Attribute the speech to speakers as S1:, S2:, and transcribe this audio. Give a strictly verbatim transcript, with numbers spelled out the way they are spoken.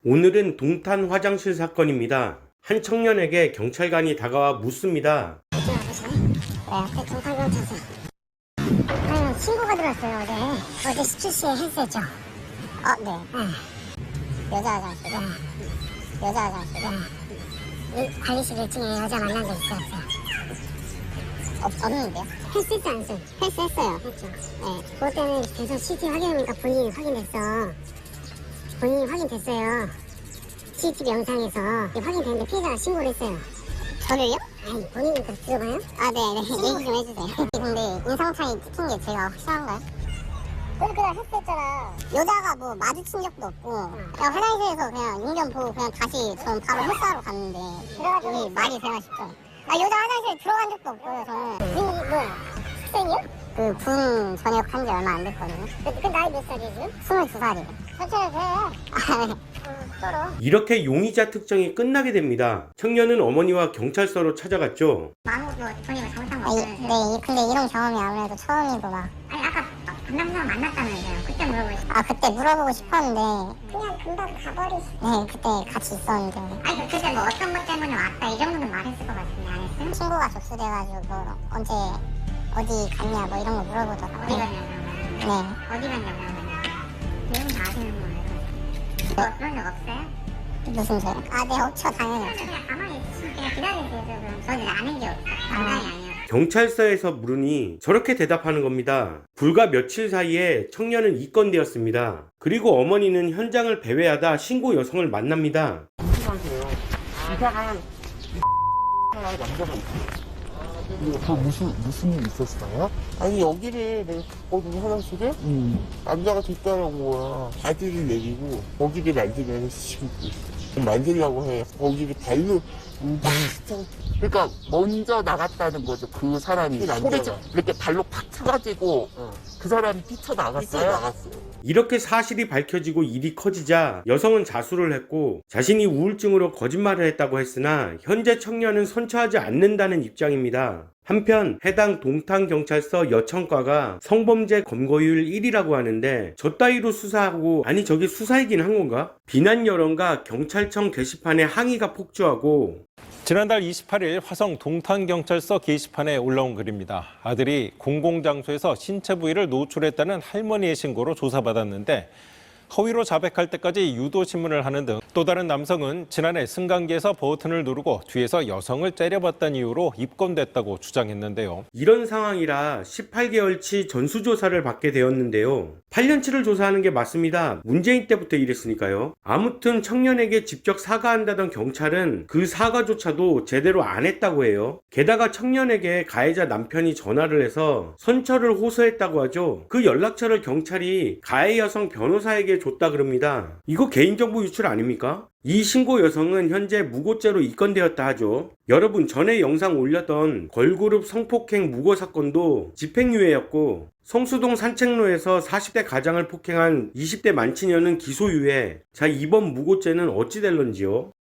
S1: 오늘은 동탄 화장실 사건입니다. 한 청년에게 경찰관이 다가와 묻습니다.
S2: 어제 아버지? 네, 앞에 동탄경찰서. 아니, 신고가 들어왔어요, 어제. 어제 십칠 시에 했었죠. 어, 네. 네. 여자 화장실에. 네. 여자 화장실에. 네. 이 관리실 일 중에 여자 만난 적 있어요, 없어요? 없, 없는데요? 했었지, 안 했어요? 했었어요. 했죠. 네. 그것 때문에 계속 씨티비 확인하니까 본인이 확인됐어. 본인이 확인됐어요. 씨티비 영상에서 확인됐는데 피해자가 신고를 했어요. 저를요? 아니, 본인이 그 들어봐요? 아, 네네. 얘기 좀 해주세요. 근데 인상차이 찍힌 게 제가 확실한가요? 그래, 그래, 했었잖아. 여자가 뭐 마주친 적도 없고, 그냥 화장실에서 그냥 용변 보고 그냥 다시 전 바로 헬스하러 갔는데, 그래가지고 말이 되나 싶어요. 아, 여자 화장실에 들어간 적도 없고요, 저는. 이, 뭐야, 학생이요? 그, 군 전역 한 지 얼마 안 됐거든요. 그, 그 나이 몇 살이에요, 지금? 스물두 살이에요. 천천히 해. 아, 네.
S1: 이렇게 용의자 특정이 끝나게 됩니다. 청년은 어머니와 경찰서로 찾아갔죠.
S2: 마음으로 본인을 잘못한 거 같아요. 네, 근데 이런 경험이 아무래도 처음이고 막. 아니, 아까 반남사람 만났다면서요. 그때 물어보고 싶 아, 그때 물어보고 싶었는데. 그냥 금방 가버리시. 네, 그때 같이 있었는데. 아니, 그때 뭐 어떤 것 때문에 왔다 이 정도는 말했을 것 같은데 안 했어요? 친구가 접수돼가지고 뭐 언제 어디 갔냐 뭐 이런 거 물어보더라고요. 어디 갔냐고. 네. 어디 갔냐고. 내용 다 아시는 거예요. 뭐 그런 적 없어요? 무슨 소리? 아, 네, 없죠. 당연히 없죠. 그냥 가만히 있으면 그냥 기다리세요. 그럼 저는 아는 게 없어요. 장난이 아니에요.
S1: 경찰서에서 물으니 저렇게 대답하는 겁니다. 불과 며칠 사이에 청년은 입건되었습니다. 그리고 어머니는 현장을 배회하다 신고 여성을 만납니다.
S3: 이상한 남자가 있어. 그 무슨 무슨 일 있었어요? 아니 여기를 내가 갔거든 화장실에. 음. 남자가 됐다는 거야. 바지를 내리고 거기를 만지면서 지금 만지려고 해. 거기를 발로 막. 그러니까 먼저 나갔다는 거죠. 그 사람이 소리 지 이렇게 발로 팍 쳐가지고 어. 그 사람이 뛰쳐나갔어요. 뛰쳐나갔어요.
S1: 이렇게 사실이 밝혀지고 일이 커지자 여성은 자수를 했고 자신이 우울증으로 거짓말을 했다고 했으나 현재 청년은 선처하지 않는다는 입장입니다. 한편 해당 동탄경찰서 여청과가 성범죄 검거율 일 위라고 하는데 저 따위로 수사하고 아니 저게 수사이긴 한 건가? 비난 여론과 경찰청 게시판에 항의가 폭주하고
S4: 지난달 이십팔 일 화성 동탄경찰서 게시판에 올라온 글입니다. 아들이 공공장소에서 신체 부위를 노출했다는 할머니의 신고로 조사받았는데 허위로 자백할 때까지 유도신문을 하는 등 또 다른 남성은 지난해 승강기에서 버튼을 누르고 뒤에서 여성을 째려봤다는 이유로 입건됐다고 주장했는데요.
S1: 이런 상황이라 십팔 개월치 전수조사를 받게 되었는데요. 팔 년치를 조사하는 게 맞습니다. 문재인 때부터 이랬으니까요. 아무튼 청년에게 직접 사과한다던 경찰은 그 사과조차도 제대로 안 했다고 해요. 게다가 청년에게 가해자 남편이 전화를 해서 선처를 호소했다고 하죠. 그 연락처를 경찰이 가해 여성 변호사에게 줬다 그럽니다. 이거 개인정보 유출 아닙니까? 이 신고 여성은 현재 무고죄로 입건되었다 하죠. 여러분, 전에 영상 올렸던 걸그룹 성폭행 무고 사건도 집행유예였고 성수동 산책로에서 사십 대 가장을 폭행한 이십 대 만취녀는 기소유예. 자, 이번 무고죄는 어찌 될런지요?